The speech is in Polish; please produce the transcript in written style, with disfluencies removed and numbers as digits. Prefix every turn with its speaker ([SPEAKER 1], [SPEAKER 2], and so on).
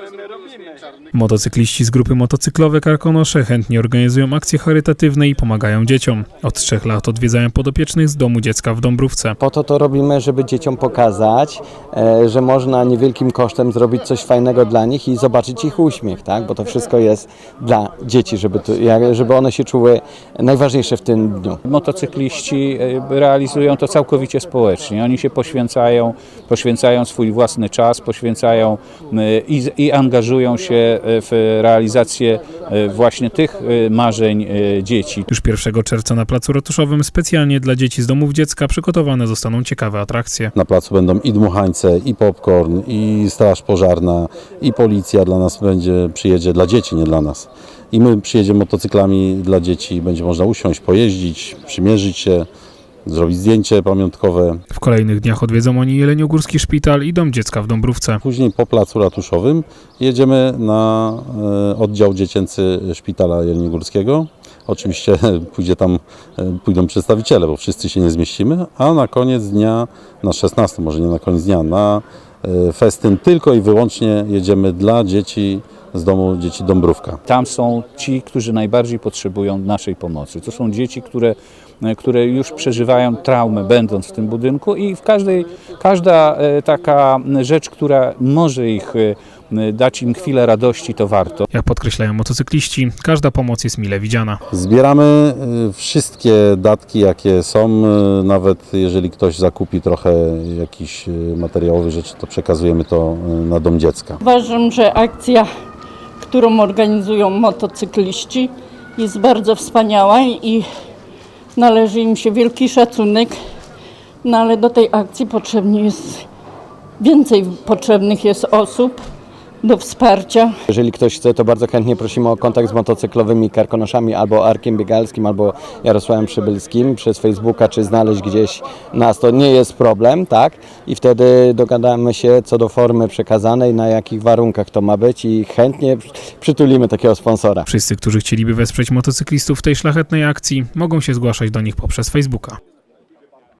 [SPEAKER 1] Motocykliści z grupy motocyklowej Karkonosze chętnie organizują akcje charytatywne i pomagają dzieciom. Od 3 lat odwiedzają podopiecznych z Domu Dziecka w Dąbrówce.
[SPEAKER 2] Po to robimy, żeby dzieciom pokazać, że można niewielkim kosztem zrobić coś fajnego dla nich i zobaczyć ich uśmiech, tak? Bo to wszystko jest dla dzieci, żeby one się czuły najważniejsze w tym dniu.
[SPEAKER 3] Motocykliści realizują to całkowicie społecznie. Oni się poświęcają swój własny czas, poświęcają i angażują się w realizację właśnie tych marzeń dzieci.
[SPEAKER 1] Już 1 czerwca na Placu Ratuszowym specjalnie dla dzieci z domów dziecka przygotowane zostaną ciekawe atrakcje.
[SPEAKER 4] Na placu będą i dmuchańce, i popcorn, i straż pożarna, i policja dla nas przyjedzie, dla dzieci, nie dla nas. I my przyjedziemy motocyklami dla dzieci, będzie można usiąść, pojeździć, przymierzyć się, zrobić zdjęcie pamiątkowe.
[SPEAKER 1] W kolejnych dniach odwiedzą oni Jeleniogórski Szpital i Dom Dziecka w Dąbrówce.
[SPEAKER 4] Później po Placu Ratuszowym jedziemy na oddział dziecięcy Szpitala Jeleniogórskiego. Oczywiście pójdą przedstawiciele, bo wszyscy się nie zmieścimy, a na koniec dnia, na 16, może nie na koniec dnia, na festyn tylko i wyłącznie jedziemy dla dzieci z Domu Dzieci Dąbrówka.
[SPEAKER 3] Tam są ci, którzy najbardziej potrzebują naszej pomocy. To są dzieci, które już przeżywają traumę, będąc w tym budynku, i każda taka rzecz, która może dać im chwilę radości, to warto.
[SPEAKER 1] Jak podkreślają motocykliści, każda pomoc jest mile widziana.
[SPEAKER 4] Zbieramy wszystkie datki, jakie są, nawet jeżeli ktoś zakupi trochę jakichś materiałowych rzeczy, to przekazujemy to na Dom Dziecka.
[SPEAKER 5] Uważam, że akcja, którą organizują motocykliści, jest bardzo wspaniała i należy im się wielki szacunek, no ale do tej akcji więcej potrzebnych jest osób do wsparcia.
[SPEAKER 2] Jeżeli ktoś chce, to bardzo chętnie prosimy o kontakt z motocyklowymi Karkonoszami albo Arkiem Biegalskim, albo Jarosławem Przybylskim przez Facebooka, czy znaleźć gdzieś nas, to nie jest problem, tak? I wtedy dogadamy się co do formy przekazanej, na jakich warunkach to ma być i chętnie przytulimy takiego sponsora.
[SPEAKER 1] Wszyscy, którzy chcieliby wesprzeć motocyklistów w tej szlachetnej akcji, mogą się zgłaszać do nich poprzez Facebooka.